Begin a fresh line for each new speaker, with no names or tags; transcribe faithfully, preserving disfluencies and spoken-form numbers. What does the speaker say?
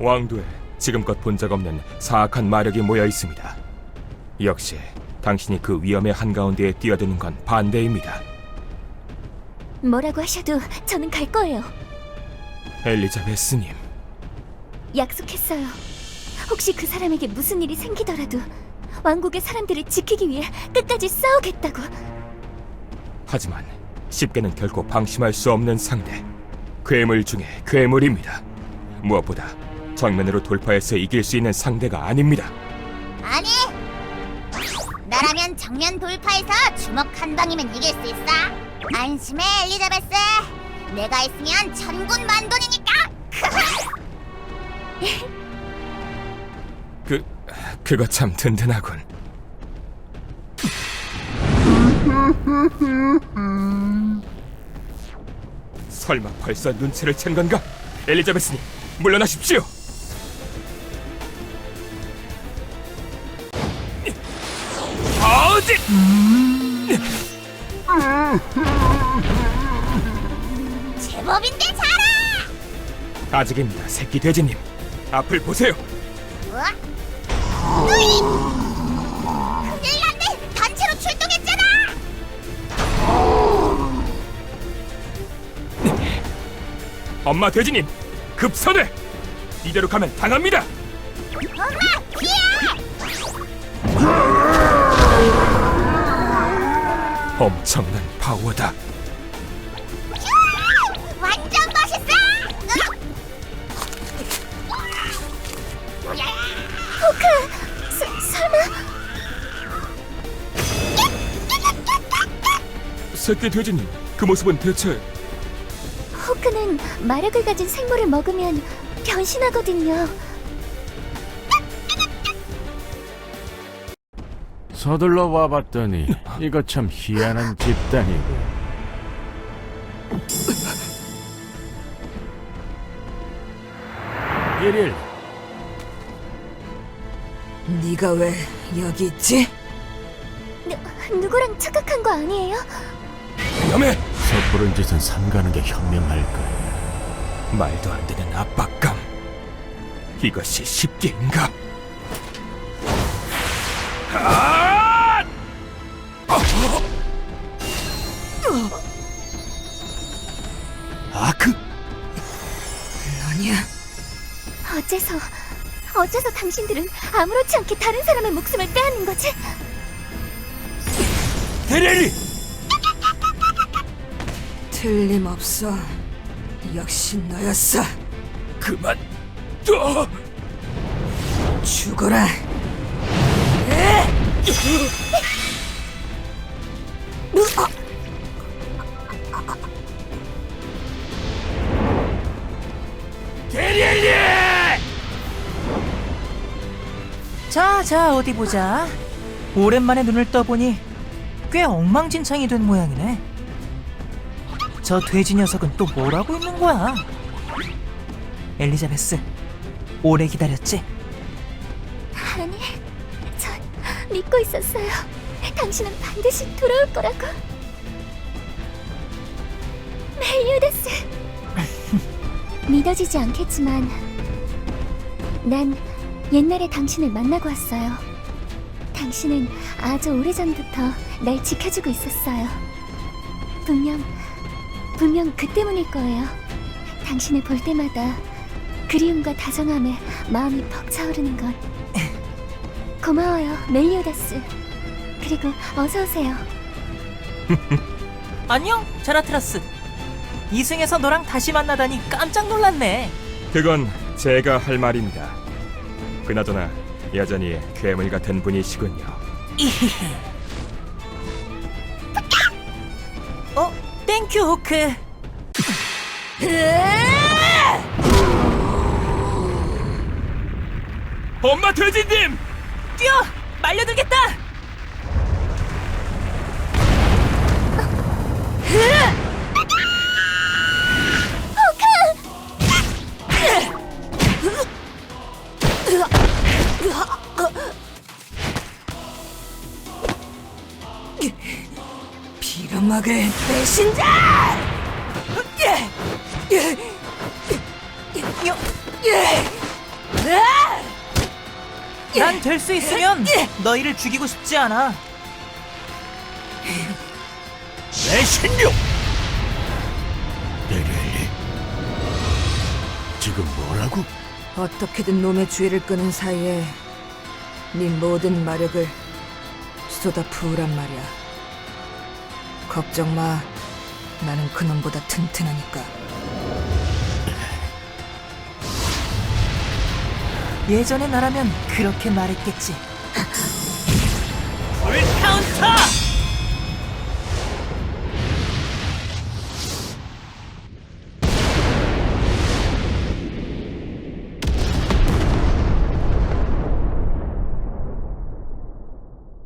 왕도에 지금껏 본 적 없는 사악한 마력이 모여 있습니다. 역시 당신이 그 위험의 한가운데에 뛰어드는 건 반대입니다.
뭐라고 하셔도 저는 갈 거예요.
엘리자베스님,
약속했어요. 혹시 그 사람에게 무슨 일이 생기더라도 왕국의 사람들을 지키기 위해 끝까지 싸우겠다고.
하지만 쉽게는 결코 방심할 수 없는 상대, 괴물 중에 괴물입니다. 무엇보다 정면으로 돌파해서 이길 수 있는 상대가 아닙니다.
아니! 나라면 정면 돌파해서 주먹 한 방이면 이길 수 있어. 안심해, 엘리자베스. 내가 있으면 천군 만돈이니까.
그... 그거 참 든든하군. 설마 벌써 눈치를 챈 건가? 엘리자베스님, 물러나십시오! 어디!
제법인데 잘하!
아직입니다, 새끼 돼지님. 앞을 보세요.
어? 으이! 큰일 났네! 단체로 출동했잖아!
엄마 돼지님, 급선회! 이대로 가면 당합니다!
엄마! 피해!
엄청난 파워다.
휴! 완전 멋있어!
호크! 서, 설마...
새끼 돼지님, 그 모습은 대체...
호크는 마력을 가진 생물을 먹으면 변신하거든요.
서둘러 와봤더니 이거 참 희한한 집단이고. 일일
네가 왜 여기 있지?
누, 누구랑 착각한 거 아니에요?
위험해!
섣부른 짓은 삼가는 게 현명할 거야.
말도 안 되는 압박감. 이것이 쉽게인가? 아! 아크?
아니야.
어째서... 어째서 당신들은 아무렇지 않게 다른 사람의 목숨을 빼앗는 거지?
데렐리!
틀림없어. 역시 너였어.
그만 둬!
죽어라.
데렐리!
자, 자, 어디 보자. 오랜만에 눈을 떠보니 꽤 엉망진창이 된 모양이네. 저 돼지 녀석은 또 뭘 하고 있는 거야? 엘리자베스, 오래 기다렸지?
아니, 전 믿고 있었어요. 당신은 반드시 돌아올 거라고. 멜리오다스. 믿어지지 않겠지만 난 옛날에 당신을 만나고 왔어요. 당신은 아주 오래전부터 날 지켜주고 있었어요. 분명, 분명 그 때문일 거예요. 당신을 볼 때마다 그리움과 다정함에 마음이 벅차오르는 것. 고마워요, 멜리오다스. 그리고 어서 오세요.
안녕, 자라트라스. 이승에서 너랑 다시 만나다니 깜짝 놀랐네.
그건 제가 할 말입니다. 그나저나 여전히 괴물 같은 분이시군요.
어, 땡큐, 호크.
엄마 돼지님!
뛰어! 말려들겠다!
빌어먹을 배신자!
여, 난 될 수 있으면 너희를 죽이고 싶지 않아.
내 신령! 에렐리, 지금 뭐라고?
어떻게든 놈의 주의를 끄는 사이에 네 모든 마력을 쏟아부으란 말이야. 걱정 마. 나는 그놈보다 튼튼하니까.
예전에 나라면 그렇게 말했겠지. 풀 카운터!